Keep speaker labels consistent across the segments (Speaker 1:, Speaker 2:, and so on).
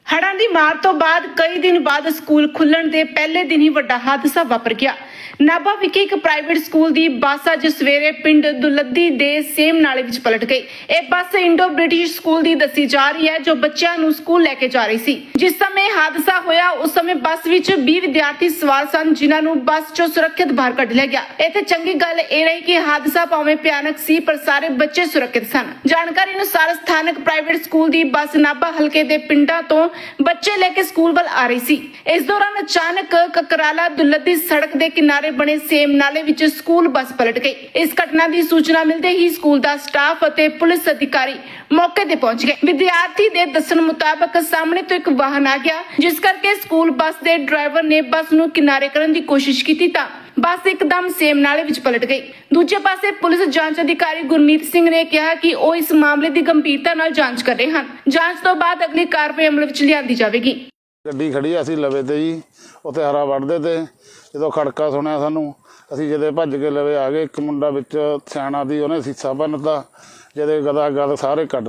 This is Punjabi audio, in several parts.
Speaker 1: ਹੜ੍ਹਾਂ ਦੀ ਮਾਰ ਤੋਂ ਬਾਅਦ ਕਈ ਦਿਨ ਬਾਅਦ ਸਕੂਲ ਖੁੱਲਣ ਦੇ ਪਹਿਲੇ ਦਿਨ ਹੀ ਵੱਡਾ ਹਾਦਸਾ ਵਾਪਰ ਗਿਆ। ਨਾਭਾ ਵਿਖੇ ਇੱਕ ਪ੍ਰਾਈਵੇਟ ਸਕੂਲ ਦੀ ਬੱਸ ਅੱਜ ਸਵੇਰੇ ਪਿੰਡ ਦੁਲੱਦੀ ਦੇ ਸੇਮ ਨਾਲੇ ਵਿੱਚ ਪਲਟ ਗਈ। ਇਹ ਬੱਸ ਇੰਡੋ ਬ੍ਰਿਟਿਸ਼ ਸਕੂਲ ਦੀ ਦੱਸੀ ਜਾ ਰਹੀ ਹੈ ਜੋ ਬੱਚਿਆਂ ਨੂੰ ਸਕੂਲ ਲੈ ਕੇ ਜਾ ਰਹੀ ਸੀ। ਜਿਸ ਸਮੇਂ ਹਾਦਸਾ ਹੋਇਆ ਉਸ ਸਮੇਂ ਬੱਸ ਵਿੱਚ 20 ਵਿਦਿਆਰਥੀ ਸਵਾਰ ਸਨ ਜਿਨ੍ਹਾਂ ਨੂੰ ਬੱਸ ਚੋਂ ਸੁਰੱਖਿਅਤ ਬਾਹਰ ਕੱਢ ਲਿਆ ਗਿਆ। ਇੱਥੇ ਚੰਗੀ ਗੱਲ ਇਹ ਰਹੀ ਕਿ ਹਾਦਸਾ ਭਾਵੇਂ ਭਿਆਨਕ ਸੀ ਪਰ ਸਾਰੇ ਬੱਚੇ ਸੁਰੱਖਿਅਤ ਸਨ। ਜਾਣਕਾਰੀ ਅਨੁਸਾਰ ਸਥਾਨਕ ਪ੍ਰਾਈਵੇਟ ਸਕੂਲ ਦੀ ਬੱਸ ਨਾਭਾ ਹਲਕੇ ਦੇ ਪਿੰਡਾਂ ਤੋਂ ਬੱਚੇ ਲੈ ਕੇ ਸਕੂਲ ਵੱਲ ਆ ਰਹੀ ਸੀ। ਇਸ ਦੌਰਾਨ ਅਚਾਨਕ ਕਕਰਾਲਾ ਦੁਲੱਦੀ ਸੜਕ ਦੇ ਕਿਨਾਰੇ ਬਣੇ ਸੇਮ ਨਾਲੇ ਵਿੱਚ ਸਕੂਲ ਬੱਸ ਪਲਟ ਗਈ। ਇਸ ਘਟਨਾ ਦੀ ਸੂਚਨਾ ਮਿਲਦੇ ਹੀ ਸਕੂਲ ਦਾ ਸਟਾਫ ਅਤੇ ਪੁਲਿਸ ਅਧਿਕਾਰੀ ਮੌਕੇ ਤੇ ਪਹੁੰਚ ਗਏ। ਵਿਦਿਆਰਥੀ ਦੇ ਦੱਸਣ ਮੁਤਾਬਕ ਸਾਹਮਣੇ ਤੋਂ ਇੱਕ ਵਾਹਨ ਆ ਗਿਆ ਜਿਸ ਕਰਕੇ ਸਕੂਲ ਬੱਸ ਦੇ ਡਰਾਈਵਰ ਨੇ ਬੱਸ ਨੂੰ ਕਿਨਾਰੇ ਕਰਨ ਦੀ ਕੋਸ਼ਿਸ਼ ਕੀਤੀ ਤਾਂ ਬੱਸ ਇੱਕਦਮ ਸੇਮ ਨਾਲੇ ਵਿੱਚ ਪਲਟ ਗਈ। ਦੂਜੇ ਪਾਸੇ ਪੁਲਿਸ ਜਾਂਚ ਅਧਿਕਾਰੀ ਗੁਰਮੀਤ ਸਿੰਘ ਨੇ ਕਿਹਾ ਕਿ ਉਹ ਇਸ ਮਾਮਲੇ ਦੀ ਗੰਭੀਰਤਾ ਨਾਲ ਜਾਂਚ ਕਰ ਰਹੇ ਹਨ। ਜਾਂਚ ਤੋਂ ਬਾਅਦ ਅਗਲੀ ਕਾਰਵਾਈ ਅਮਲ ਵਿੱਚ ਲਿਆਂਦੀ ਜਾਵੇਗੀ।
Speaker 2: ਗੱਡੀ ਖੜੀ ਅਸੀਂ ਲਵੇ ਤੇ ਜੀ ਉੱਥੇ ਹਰਾ ਵੜਦੇ ਤੇ ਜਦੋਂ ਖੜਕਾ ਸੁਣਿਆ ਸਾਨੂੰ ਅਸੀਂ ਜਦੇ ਭੱਜ ਕੇ ਲਵੇ ਆ ਗਏ। ਇੱਕ ਮੁੰਡਾ ਵਿੱਚ ਸਿਆਣਾ ਦੀ ਉਹਨੇ ਸੀਸਾ ਭੰਨਤਾ ਜਦੇ ਗਦਾ ਗਦ ਸਾਰੇ ਕੱਢ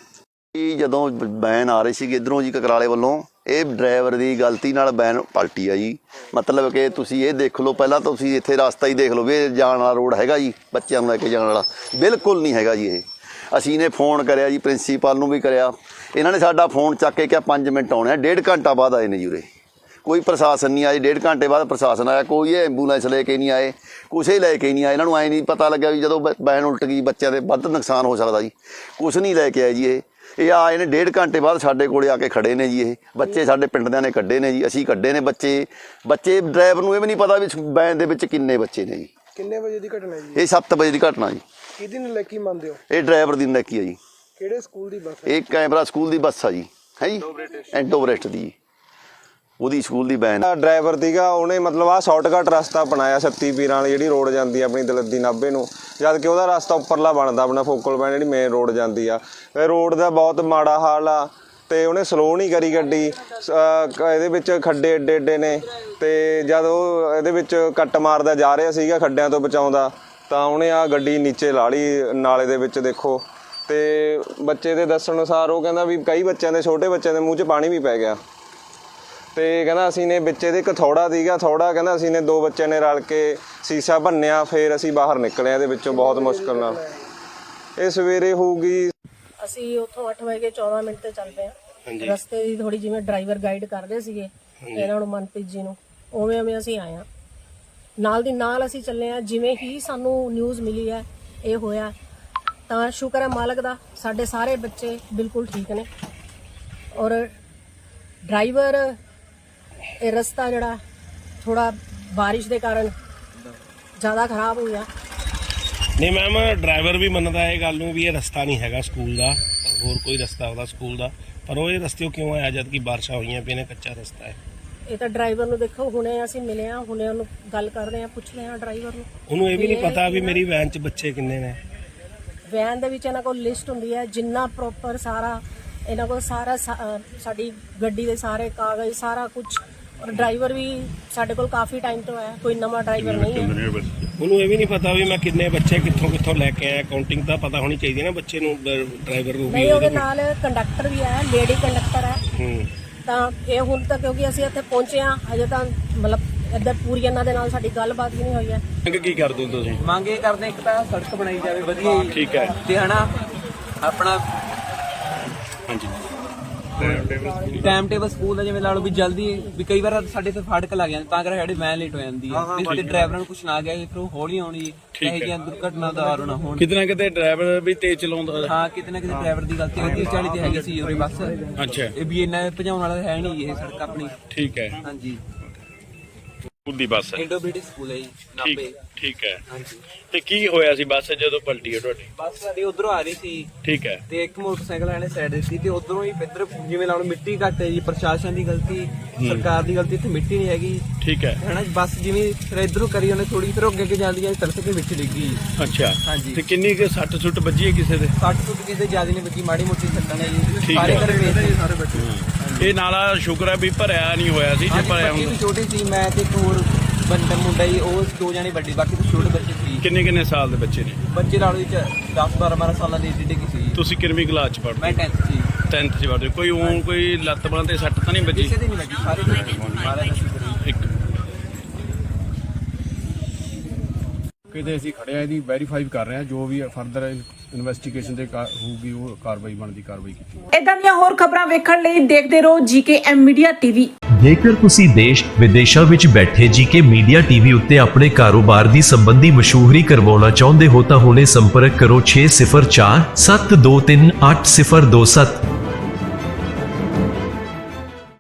Speaker 2: ਲਏ।
Speaker 3: ਜਦੋਂ ਵੈਨ ਆ ਰਹੀ ਸੀ ਇੱਧਰੋਂ ਜੀ ਕਕਰਾਲੇ ਵੱਲੋਂ ਇਹ ਡਰਾਈਵਰ ਦੀ ਗਲਤੀ ਨਾਲ ਵੈਨ ਪਲਟੀ ਆ ਜੀ। ਮਤਲਬ ਕਿ ਤੁਸੀਂ ਇਹ ਦੇਖ ਲਓ ਪਹਿਲਾਂ ਤੁਸੀਂ ਇੱਥੇ ਰਸਤਾ ਹੀ ਦੇਖ ਲਓ ਵੀ ਇਹ ਜਾਣ ਵਾਲਾ ਰੋਡ ਹੈਗਾ ਜੀ ਬੱਚਿਆਂ ਨੂੰ ਲੈ ਕੇ ਜਾਣ ਵਾਲਾ ਬਿਲਕੁਲ ਨਹੀਂ ਹੈਗਾ ਜੀ। ਇਹ ਅਸੀਂ ਨੇ ਫੋਨ ਕਰਿਆ ਜੀ ਪ੍ਰਿੰਸੀਪਲ ਨੂੰ ਵੀ ਕਰਿਆ। ਇਹਨਾਂ ਨੇ ਸਾਡਾ ਫੋਨ ਚੱਕ ਕੇ ਕਿਹਾ 5 ਮਿੰਟ ਆਉਣੇ ਆ। 1.5 ਘੰਟਾ ਬਾਅਦ ਆਏ ਨੇ ਜੀ ਉਰੇ। ਕੋਈ ਪ੍ਰਸ਼ਾਸਨ ਨਹੀਂ ਆਏ। 1.5 ਘੰਟੇ ਬਾਅਦ ਪ੍ਰਸ਼ਾਸਨ ਆਇਆ। ਕੋਈ ਐਂਬੂਲੈਂਸ ਲੈ ਕੇ ਨਹੀਂ ਆਏ ਕੁਛ ਹੀ ਲੈ ਕੇ ਨਹੀਂ ਆਏ। ਇਹਨਾਂ ਨੂੰ ਐਂ ਨਹੀਂ ਪਤਾ ਲੱਗਿਆ ਵੀ ਜਦੋਂ ਵੈਨ ਉਲਟ ਗਈ ਬੱਚਿਆਂ ਦੇ ਵੱਧ ਨੁਕਸਾਨ ਹੋ ਸਕਦਾ ਜੀ। ਕੁਛ ਨਹੀਂ ਲੈ ਕੇ ਆਏ ਜੀ। ਇਹ ਆਏ ਨੇ 1.5 ਘੰਟੇ ਬਾਅਦ ਸਾਡੇ ਕੋਲੇ ਆ ਕੇ ਖੜੇ ਨੇ ਜੀ। ਇਹ ਬੱਚੇ ਸਾਡੇ ਪਿੰਡ ਦਿਆਂ ਨੇ ਕੱਢੇ ਨੇ ਜੀ। ਅਸੀਂ ਕੱਢੇ ਨੇ ਬੱਚੇ ਡਰਾਈਵਰ ਨੂੰ ਇਹ ਵੀ ਨਹੀਂ ਪਤਾ ਵੀ ਵੈਨ ਦੇ ਵਿੱਚ ਕਿੰਨੇ ਬੱਚੇ ਨੇ ਜੀ।
Speaker 4: ਕਿੰਨੇ ਵਜੇ ਦੀ ਘਟਨਾ ਹੈ ਜੀ?
Speaker 3: ਇਹ 7 ਵਜੇ ਦੀ ਘਟਨਾ ਜੀ।
Speaker 4: ਕਿਹਦੀ ਨਲਾਇਕੀ ਮੰਨਦੇ ਹੋ?
Speaker 3: ਇਹ ਡਰਾਈਵਰ ਦੀ ਨਲਾਇਕੀ ਆ ਜੀ।
Speaker 4: ਕਿਹੜੇ ਸਕੂਲ ਦੀ ਬੱਸ ਹੈ?
Speaker 3: ਇਹ ਕੈਮਰਾ ਸਕੂਲ ਦੀ ਬੱਸ ਆ ਜੀ ਹੈ ਜੀ ਇੰਡੋ ਬ੍ਰਿਟਿਸ਼ ਦੀ ਉਹਦੀ ਸਕੂਲ ਦੀ ਵੈਨ।
Speaker 5: ਡਰਾਈਵਰ ਸੀਗਾ ਉਹਨੇ ਮਤਲਬ ਆਹ ਸ਼ਾਰਟਕਟ ਰਸਤਾ ਬਣਾਇਆ ਸੱਤੀ ਪੀਰਾਂ ਵਾਲੀ ਜਿਹੜੀ ਰੋਡ ਜਾਂਦੀ ਆ ਆਪਣੀ ਦਲੱਦੀ ਨਾਭੇ ਨੂੰ, ਜਦ ਕਿ ਉਹਦਾ ਰਸਤਾ ਉੱਪਰਲਾ ਬਣਦਾ ਆਪਣਾ ਫੋਕਲ ਪੁਆਇੰਟ ਜਿਹੜੀ ਮੇਨ ਰੋਡ ਜਾਂਦੀ ਆ। ਇਹ ਰੋਡ ਦਾ ਬਹੁਤ ਮਾੜਾ ਹਾਲ ਆ ਤੇ ਉਹਨੇ ਸਲੋ ਨਹੀਂ ਕਰੀ ਗੱਡੀ। ਇਹਦੇ ਵਿੱਚ ਖੱਡੇ ਏਡੇ ਏਡੇ ਨੇ ਤੇ ਜਦ ਉਹ ਇਹਦੇ ਵਿੱਚ ਕੱਟ ਮਾਰਦਾ ਜਾ ਰਿਹਾ ਸੀਗਾ ਖੱਡਿਆਂ ਤੋਂ ਬਚਾਉਂਦਾ ਤਾਂ ਉਹਨੇ ਆ ਗੱਡੀ ਨੀਚੇ ਲਾ ਲਈ ਨਾਲੇ ਦੇ ਵਿੱਚ। ਦੇਖੋ ਤੇ ਬੱਚੇ ਦੇ ਦੱਸਣ ਅਨੁਸਾਰ ਉਹ ਕਹਿੰਦਾ ਵੀ ਕਈ ਬੱਚਿਆਂ ਦੇ ਛੋਟੇ ਬੱਚਿਆਂ ਦੇ ਮੂੰਹ 'ਚ ਪਾਣੀ ਵੀ ਪੈ ਗਿਆ ਤੇ ਕਹਿੰਦਾ ਅਸੀਂ ਨੇ ਵਿੱਚ ਇਹਦੇ ਇੱਕ ਥੋੜਾ ਸੀਗਾ ਥੋੜਾ ਕਹਿੰਦਾ ਅਸੀਂ ਨੇ 2 ਬੱਚਿਆਂ ਨੇ ਰਲ ਕੇ ਸੀਸਾ ਭੰਨਿਆ ਫਿਰ ਅਸੀਂ ਬਾਹਰ ਨਿਕਲੇ ਇਹਦੇ ਵਿੱਚੋਂ ਬਹੁਤ ਮੁਸ਼ਕਲ ਨਾਲ। ਇਹ ਸਵੇਰੇ ਹੋਊਗੀ।
Speaker 6: ਅਸੀਂ ਉੱਥੋਂ 8 ਵਜੇ 14 ਮਿੰਟ ਤੇ ਚੱਲ ਪਏ ਹਾਂ। ਰਸਤੇ ਦੀ ਥੋੜੀ ਜਿਵੇਂ ਡਰਾਈਵਰ ਗਾਈਡ ਕਰਦੇ ਸੀਗੇ ਇਹਨਾਂ ਨੂੰ ਮਨਪ੍ਰੀਤ ਜੀ ਨੂੰ ਉਵੇਂ ਅਸੀਂ ਆਏ ਹਾਂ। ਨਾਲ ਦੀ ਨਾਲ ਅਸੀਂ ਚੱਲੇ ਹਾਂ। ਜਿਵੇਂ ਹੀ ਸਾਨੂੰ ਨਿਊਜ਼ ਮਿਲੀ ਹੈ ਇਹ ਹੋਇਆ ਤਾਂ ਸ਼ੁਕਰ ਹੈ ਮਾਲਕ ਦਾ ਸਾਡੇ ਸਾਰੇ ਬੱਚੇ ਬਿਲਕੁਲ ਠੀਕ ਨੇ ਔਰ ਡਰਾਈਵਰ ਇਹ ਰਸਤਾ ਜਿਹੜਾ ਥੋੜਾ ਬਾਰਿਸ਼ ਦੇ ਕਾਰਨ ਜ਼ਿਆਦਾ ਖਰਾਬ ਹੋ ਗਿਆ।
Speaker 7: ਨਹੀਂ ਮੈਮ ਡਰਾਈਵਰ ਵੀ ਮੰਨਦਾ ਇਹ ਗੱਲ ਨੂੰ ਵੀ ਇਹ ਰਸਤਾ ਨਹੀਂ ਹੈਗਾ ਸਕੂਲ ਦਾ, ਹੋਰ ਕੋਈ ਰਸਤਾ ਉਹਦਾ ਸਕੂਲ ਦਾ, ਪਰ ਉਹ ਇਹ ਰਸਤੇ ਕਿਉਂ ਆਇਆ ਜਦ ਕਿ ਬਾਰਿਸ਼ਾਂ ਹੋਈਆਂ ਪਈਆਂ ਨੇ ਕੱਚਾ ਰਸਤਾ ਹੈ।
Speaker 6: ਇਹ ਤਾਂ ਡਰਾਈਵਰ ਨੂੰ ਦੇਖੋ ਹੁਣੇ ਅਸੀਂ ਮਿਲੇ ਆ ਹੁਣੇ ਉਹਨੂੰ ਗੱਲ ਕਰਦੇ ਆ ਪੁੱਛਦੇ ਆ ਡਰਾਈਵਰ ਨੂੰ।
Speaker 7: ਉਹਨੂੰ ਇਹ ਵੀ ਨਹੀਂ ਪਤਾ ਵੀ ਮੇਰੀ ਵੈਨ 'ਚ ਬੱਚੇ ਕਿੰਨੇ ਨੇ।
Speaker 6: ਵੈਨ ਦੇ ਵਿੱਚ ਇਹਨਾਂ ਕੋਲ ਲਿਸਟ ਹੁੰਦੀ ਹੈ ਜਿੰਨਾ ਪ੍ਰੋਪਰ ਸਾਰਾ ਇਹਨਾਂ ਕੋਲ ਸਾਰਾ ਸਾਡੀ ਗੱਡੀ ਦੇ ਸਾਰੇ ਕਾਗਜ਼ ਸਾਰਾ ਕੁਝ ਔਰ ਡਰਾਈਵਰ ਵੀ ਸਾਡੇ ਕੋਲ ਕਾਫੀ ਟਾਈਮ ਤੋਂ ਹੈ ਕੋਈ ਨਵਾਂ ਡਰਾਈਵਰ ਨਹੀਂ ਹੈ।
Speaker 7: ਉਹਨੂੰ ਇਹ ਵੀ ਨਹੀਂ ਪਤਾ ਵੀ ਮੈਂ ਕਿੰਨੇ ਬੱਚੇ ਕਿੱਥੋਂ ਲੈ ਕੇ ਆਇਆ। ਕਾਊਂਟਿੰਗ ਤਾਂ ਪਤਾ ਹੋਣੀ ਚਾਹੀਦੀ ਨਾ ਬੱਚੇ ਨੂੰ ਡਰਾਈਵਰ ਨੂੰ ਵੀ।
Speaker 6: ਨਹੀਂ ਉਹਦੇ ਨਾਲ ਕੰਡਕਟਰ ਵੀ ਹੈ ਲੇਡੀ ਕੰਡਕਟਰ ਹੈ ਤਾਂ ਇਹ ਹੁਣ ਤੱਕ ਕਿਉਂਕਿ ਅਸੀਂ ਇੱਥੇ ਪਹੁੰਚੇ ਹਾਂ ਅਜੇ ਤਾਂ ਮਤਲਬ ਇੱਧਰ ਪੂਰੀ ਇਹਨਾਂ ਦੇ ਨਾਲ ਸਾਡੀ ਗੱਲਬਾਤ ਵੀ ਨਹੀਂ ਹੋਈ ਹੈ।
Speaker 7: ਕੀ ਕਰਦੇ ਹੋ ਤੁਸੀਂ?
Speaker 8: ਮੰਗ ਇਹ ਕਰਦੇ ਇੱਕ ਤਾਂ ਸੜਕ ਬਣਾਈ ਜਾਵੇ ਵਧੀਆ
Speaker 7: ਠੀਕ ਹੈ
Speaker 8: ਤੇ ਹਨਾ ਆਪਣਾ
Speaker 7: ਹਾਂਜੀ
Speaker 8: ਟਾਈਮ ਟੇਬਲ ਸਕੂਲ ਦਾ ਜਿਵੇਂ ਲਾ ਲਓ ਵੀ ਜਲਦੀ ਵੀ ਕਈ ਵਾਰ ਸਾਡੇ ਤੇ ਫਾਟਕ ਲੱਗ ਜਾਂਦੇ ਤਾਂ ਕਰਕੇ ਸਾਡੀ ਵੈਨ ਲੇਟ ਹੋ ਜਾਂਦੀ ਹੈ ਤੇ ਡਰਾਈਵਰਾਂ ਨੂੰ ਕੁਛ ਨਾ ਗਿਆ ਫਿਰ ਉਹ ਹੌਲੀ ਆਉਣੀ ਇਹੋ ਜਿਹੀਆਂ ਦੁਰਘਟਨਾ ਦਾ ਨਾ ਹੋਣ।
Speaker 7: ਕਿਤੇ ਨਾ ਕਿਤੇ ਡਰਾਈਵਰ ਵੀ ਤੇਜ਼ ਚਲਾਉਂਦਾ। ਹਾਂ
Speaker 8: ਕਿਤੇ ਨਾ ਕਿਤੇ ਡਰਾਈਵਰ ਦੀ ਗਲਤੀ 30-40 ਤੇ ਹੈਗੀ ਸੀ ਉਰੇ ਬੱਸ।
Speaker 7: ਅੱਛਾ
Speaker 8: ਇਹ ਵੀ ਇੰਨਾ ਭਜਾਉਣ ਵਾਲਾ ਹੈ ਨਹੀਂ ਇਹ ਸੜਕ ਆਪਣੀ।
Speaker 7: ਠੀਕ ਹੈ
Speaker 8: ਹਾਂਜੀ
Speaker 7: ਸਕੂਲ ਦੀ ਬੱਸ
Speaker 8: ਇੰਡੋ ਬ੍ਰਿਟਿਸ਼ ਸਕੂਲ ਹੈ ਜੀ ਨਾਭੇ।
Speaker 7: ਠੀਕ ਹੈ
Speaker 8: ਹਾਂਜੀ
Speaker 7: ਤੇ ਕੀ ਹੋਇਆ ਸੀ ਬੱਸ ਜਦੋਂ ਪਲਟੀ ਹੈ ਤੁਹਾਡੀ?
Speaker 8: ਬੱਸ ਸਾਡੀ ਉਧਰੋਂ ਆ ਰਹੀ ਸੀ
Speaker 7: ਠੀਕ ਹੈ
Speaker 8: ਤੇ ਇੱਕ ਮੋਟਰਸਾਈਕਲ ਵਾਲੇ ਸਾਈਡ ਦਿੱਤੀ ਤੇ ਉਧਰੋਂ ਹੀ ਇੱਧਰ ਜਿਵੇਂ ਲਾਉਣ ਮਿੱਟੀ ਘੱਟ ਹੈ ਜੀ ਪ੍ਰਸ਼ਾਸਨ ਦੀ ਗਲਤੀ ਸਰਕਾਰ ਦੀ ਗਲਤੀ ਇੱਥੇ ਮਿੱਟੀ ਨਹੀਂ ਹੈਗੀ।
Speaker 7: ਠੀਕ ਹੈ
Speaker 8: ਹਨਾ ਬੱਸ ਜਿਵੇਂ ਫਿਰ ਇੱਧਰੋਂ ਕਰੀ ਉਹਨੇ ਥੋੜੀ ਫਿਰ ਅੱਗੇ ਜਾਂਦੀ ਹੈ ਤਰਸ ਕੇ ਵਿੱਚ ਡਿੱਗੀ।
Speaker 7: ਅੱਛਾ
Speaker 8: ਹਾਂਜੀ
Speaker 7: ਤੇ ਕਿੰਨੀ ਕੁ ਸੱਟ ਸੁੱਟ ਵੱਜੀ ਹੈ ਕਿਸੇ ਦੇ?
Speaker 8: 60 ਫੁੱਟ ਕਿਸੇ ਜ਼ਿਆਦਾ ਨਹੀਂ ਵੱਜੀ ਮਾੜੀ ਮੋਟੀ ਸੱਟਾਂ ਨੇ ਜੀ
Speaker 7: ਠੀਕ
Speaker 8: ਸਾਰੇ
Speaker 7: ਹੈ।
Speaker 8: ਘਰੇ ਵੇਚਦੇ ਸਾਰੇ ਬੱਚੇ।
Speaker 7: ਇਹ ਨਾਲਾ ਸ਼ੁਕਰ ਹੈ ਵੀ ਭਰਿਆ ਨਹੀਂ ਹੋਇਆ ਸੀ। ਜੇ ਭਰਿਆ
Speaker 8: ਬੱਚੇ
Speaker 7: ਹੁੰਦਾ
Speaker 8: ਵੀ ਛੋਟੇ ਸੀ ਮੈਂ ਤੇ ਇੱਕ ਹੋਰ ਬੰਦਾ ਮੁੰਡਾ ਹੀ ਉਹ 2 ਜਾਣੇ ਵੱਡੇ ਬਾਕੀ ਤਾਂ ਛੋਟੇ ਬੱਚੇ ਸੀ।
Speaker 7: ਕਿੰਨੇ ਸਾਲ ਦੇ ਬੱਚੇ ਨੇ?
Speaker 8: ਬੱਚੇ ਨਾਲ ਵਿੱਚ 10-12 ਸਾਲਾਂ ਦੀ ਏਡੀ ਸੀ।
Speaker 7: ਤੁਸੀਂ ਕਿੰਨਵੀਂ ਕਲਾਸ ਚ ਪੜ੍ਹਦੇ?
Speaker 8: ਮੈਂ 10th ਸੀ।
Speaker 9: 10th 'ਚ ਵੜਦੇ ਕੋਈ ਕੋਈ ਲੱਤ ਬਾਂਹ ਤੇ ਸੱਟ ਤਾਂ ਨਹੀਂ ਵੱਜੀ?
Speaker 8: ਕਿਸੇ ਦੀ ਨਹੀਂ ਲੱਗੀ, ਸਾਰੇ ਦੀ
Speaker 9: ਇੱਕ
Speaker 10: ਕਿਤੇ ਅਸੀਂ ਖੜਿਆ ਇਹਦੀ ਵੈਰੀਫਾਈ ਕਰ ਰਹੇ ਹਾਂ, ਜੋ ਵੀ ਫਰਦਰ ਇਨਵੈਸਟੀਗੇਸ਼ਨ ਦੇ ਹੋਊਗੀ ਉਹ ਕਾਰਵਾਈ ਬਣਦੀ ਕਾਰਵਾਈ ਕੀਤੀ।
Speaker 1: ਇਦਾਂ ਦੀਆਂ ਹੋਰ ਖਬਰਾਂ ਵੇਖਣ ਲਈ ਦੇਖਦੇ ਰਹੋ ਜੀਕੇਐਮ ਮੀਡੀਆ ਟੀਵੀ।
Speaker 11: ਜੇਕਰ ਤੁਸੀਂ ਦੇਸ਼ ਵਿਦੇਸ਼ਾਂ ਵਿੱਚ ਬੈਠੇ ਜੀਕੇ ਮੀਡੀਆ ਟੀਵੀ ਉੱਤੇ ਆਪਣੇ ਕਾਰੋਬਾਰ ਦੀ ਸੰਬੰਧੀ ਮਸ਼ਹੂਰੀ ਕਰਵਾਉਣਾ ਚਾਹੁੰਦੇ ਹੋ ਤਾਂ ਹੁਣੇ ਸੰਪਰਕ ਕਰੋ 604 723 8027।